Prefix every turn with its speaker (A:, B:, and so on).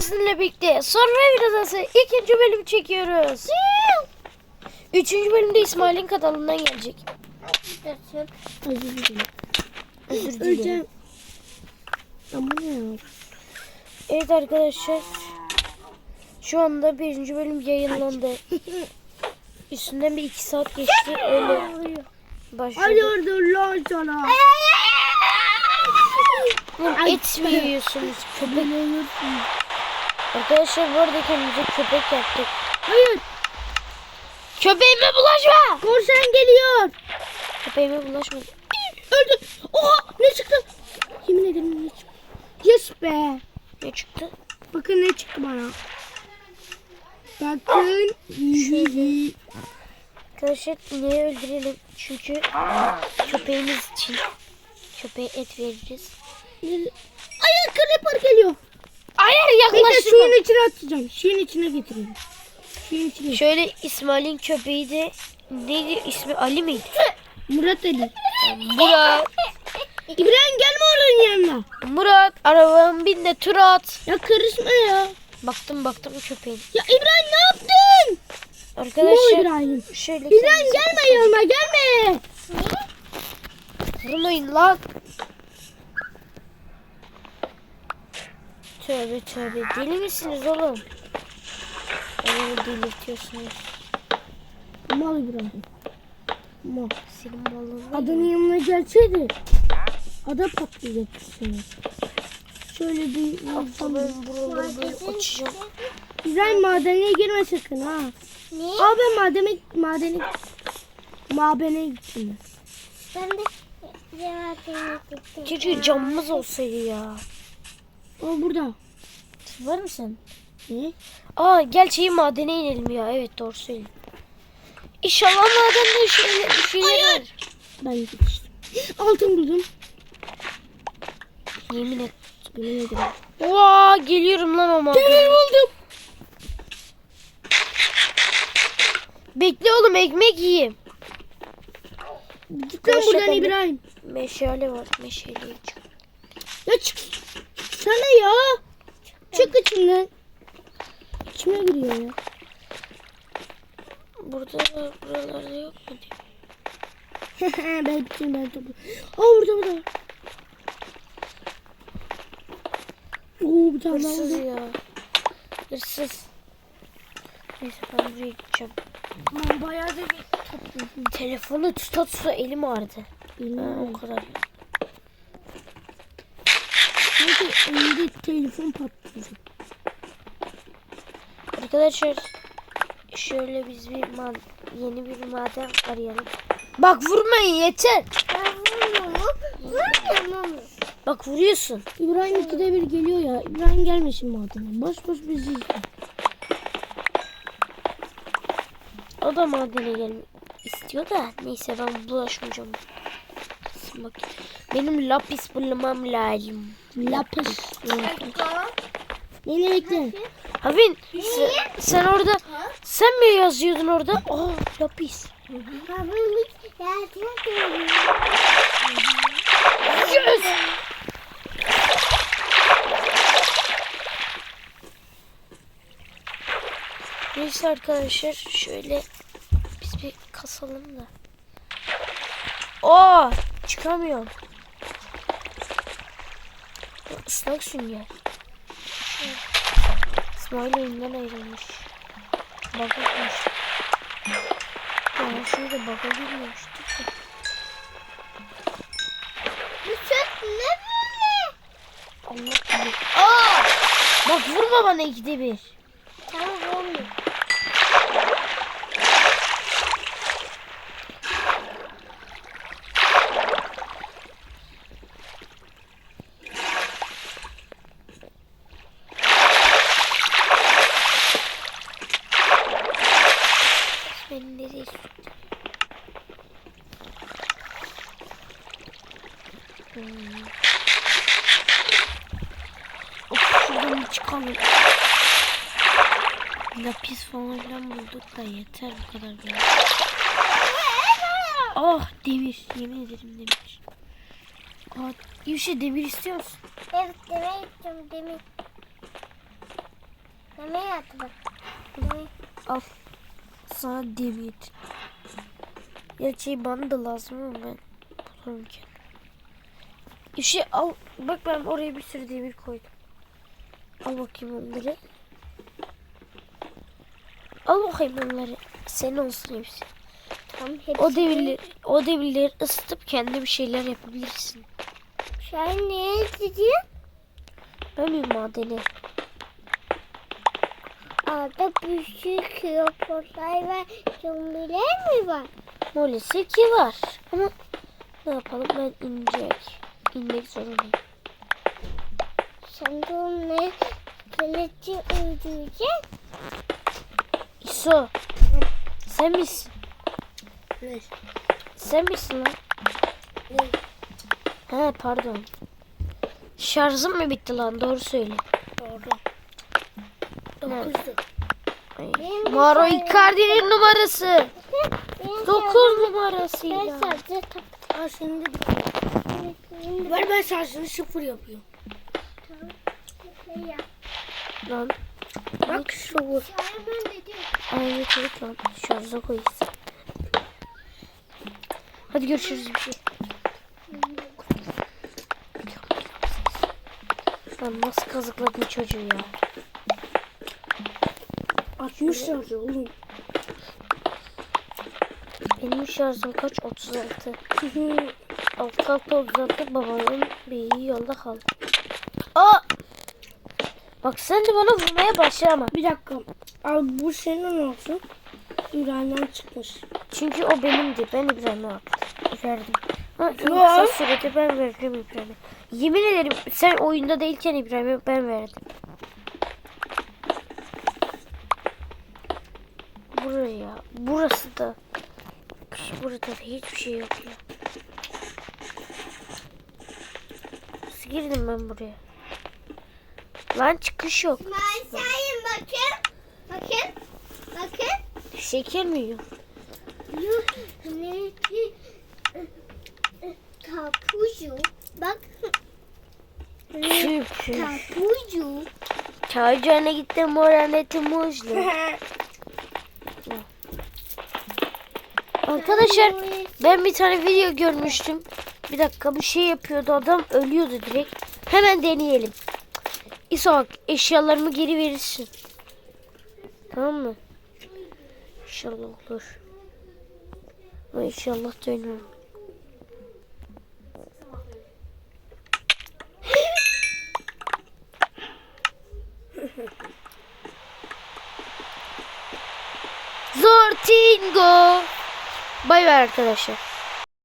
A: Sizinle birlikte Survivor Adası 2. bölüm çekiyoruz. 3. bölümde İsmail'in kanalından gelecek.
B: Özür dilerim.
A: Özür dilerim.
B: Ama ne ya?
A: Evet arkadaşlar. Şu anda 1. bölüm yayınlandı. Üstünden bir 2 saat geçti. Öyle başladı.
B: Hayırdır lan sana?
A: Et mi yiyorsunuz? Köpek. Arkadaşlar bu arada kendimize köpek yaptık.
B: Hayır.
A: Köpeğime bulaşma.
B: Korsan geliyor.
A: Köpeğime bulaşma.
B: Öldü. Oha ne çıktı? Yemin ederim ne çıktı? Yes be.
A: Ne çıktı?
B: Bakın ne çıktı bana. Bakın.
A: Arkadaşlar ineği öldürelim. Çünkü köpeğimiz için köpeğe et veririz.
B: Ay creeper geliyor.
A: Hayır
B: Bekle
A: yaklaştırma.
B: suyun içine atacağım. Suyun içine getireyim. Suyun içine.
A: Şöyle İsmail'in köpeği de neydi ismi, Ali miydi?
B: Murat Ali.
A: Murat.
B: İbrahim gelme oranın yanına.
A: Murat arabanın bin de tur at.
B: Ya karışma ya.
A: Baktım köpeğin.
B: Ya İbrahim ne yaptın?
A: Arkadaşlar
B: İbrahim.
A: şöyle
B: İbrahim gelme yanıma gelme.
A: vurmayın lan. Tövbe deli misiniz oğlum? Beni delirtiyorsunuz.
B: Mal İbrahim. Mal.
A: Senin malın.
B: Adanın yanına gelseydi. Ada patlayacak seni. Şöyle bir
A: Ben buraları böyle açacağım.
B: İbrahim madene girme sakın ha.
C: Ne?
B: Aa ben mabene gittim.
C: Ben de cevabını gittim.
A: Keşke camımız olsaydı ya.
B: O burada.
A: Var mısın?
B: Ne?
A: Aa gel madene inelim ya. Evet doğru söylüyorsun. İnşallah madende bir şeyler var.
B: Ben gitmiştim. Altın buldum.
A: Yemin et.
B: Yemin ederim.
A: Vaa geliyorum lan o madene.
B: Demir buldum.
A: Bekle oğlum ekmek yiyeyim.
B: Git lan
A: Arkadaşlar,
B: buradan
A: ben de-
B: İbrahim.
A: Meşale var. Meşaleyi çık.
B: Ya çık. Sana ya. Çık içinden. İçime giriyor ya.
A: Buralarda yok mu diye.
B: ben topu. Aa burada. Oo bir tane daha
A: Hırsız
B: oldu.
A: ya. Hırsız. Neyse ben buraya gideceğim.
B: Ben bayağı da
A: Telefonu tuta elim ağrıdı.
B: bilmiyorum.
A: O kadar.
B: Sanki elinde telefon patlayacak.
A: Arkadaşlar şöyle biz yeni bir maden arayalım. Bak vurmayın yeter. Bak vuruyorsun.
B: İbrahim 2'de 1 geliyor ya. İbrahim gelmesin madene. Boş bizi izle.
A: O da madene gelmek istiyor da neyse ben bulaşmayacağım. Bak benim lapis bulmam lazım.
B: Lapis. Beni bekle.
A: Havin sen orada sen mi yazıyordun orada? Aa lapis. Yes! Neyse arkadaşlar şöyle biz bir kasalım da. Oo çıkamıyorum. Islak sünger. İsmail oyundan ayrılmış. Baka girmiş. Ya şurada baka girmemiştik de.
C: Bu süt ne böyle?
A: Allah bilir. Aa! Bak vurma bana 2'de 1.
C: Tamam olmuyor.
A: Beni nereye sürdü? Of şuradan bir çıkalım. Lapis falan filan bulduk da yeter bu kadar böyle. Ah demir. Yemin ederim demir. Aa, iyi bir şey demir istiyor musun?
C: Evet demeye gittim demin. attı bak.
A: Al. Sana demir. Gerçi bana da lazım ama ben bulurum ki. İşte al. Bak ben oraya bir sürü demir koydum. Al bakayım onları. Al bakayım onları. Senin olsun hepsi.
C: Tamam hepsi.
A: O demirleri ısıtıp kendi bir şeyler yapabilirsin.
C: Sen ne dedin?
A: Ben bir madeni.
C: Orada büyük krokodil ve zombiler mi var?
A: Maalesef ki var. Ama ne yapalım, ben inmek zorundayım.
C: Sen de onu kılıcı öldüreceksin.
A: İso. Sen misin?
B: Ne?
A: Sen misin lan?
B: Ne?
A: He pardon. Şarjım mı bitti lan? Doğru söyle.
B: Doğru.
A: Evet.
B: 9'du.
A: Ay.
C: Benim
A: Maro
C: bir şey-
A: Icardi'nin numarası.
C: Ben
A: 9
C: Ben
A: numarasıyla.
C: sadece tak.
B: Aa senin de Ver ben şarjını 0 yapıyorum.
A: Lan.
B: Bak şu vur.
C: Ben dedim.
A: Ay evet lan. Şarja koyayım. Hadi görüşürüz bir şey. Lan nasıl kazıkladın çocuğu ya?
B: 60 şarjı oğlum.
A: Benim şarjım kaç? 36. Alt alta 36, babamın beyi yolda kaldı. Aa! Bak sen de bana vurmaya başlama.
B: Bir dakika. Al bu senin olsun. İbrahim'den çıkmış.
A: Çünkü o benimdi. Ben İbrahim'e verdim. Ha, en
B: Yok.
A: kısa sürede ben verdim İbrahim'e. Yemin ederim sen oyunda değilken İbrahim'e ben verdim. Buraya. Burası da. Burada da hiçbir şey yok ya. Nasıl girdim ben buraya? Lan çıkış yok.
C: Maşayım bakın. Bakın. Bakın.
A: Şeker mi yiyor?
C: Yuh. Ne ki? Tapucu. Bak.
A: Çünkü.
C: Tapucu.
A: Çaycana gittim moraneti muzlu. Arkadaşlar ben bir tane video görmüştüm. Bir dakika, bir şey yapıyordu adam, ölüyordu direkt. Hemen deneyelim. İshak, eşyalarımı geri verirsin. Tamam mı? İnşallah olur. Ama inşallah dönüyorum. Zortingo. Bay bay arkadaşlar.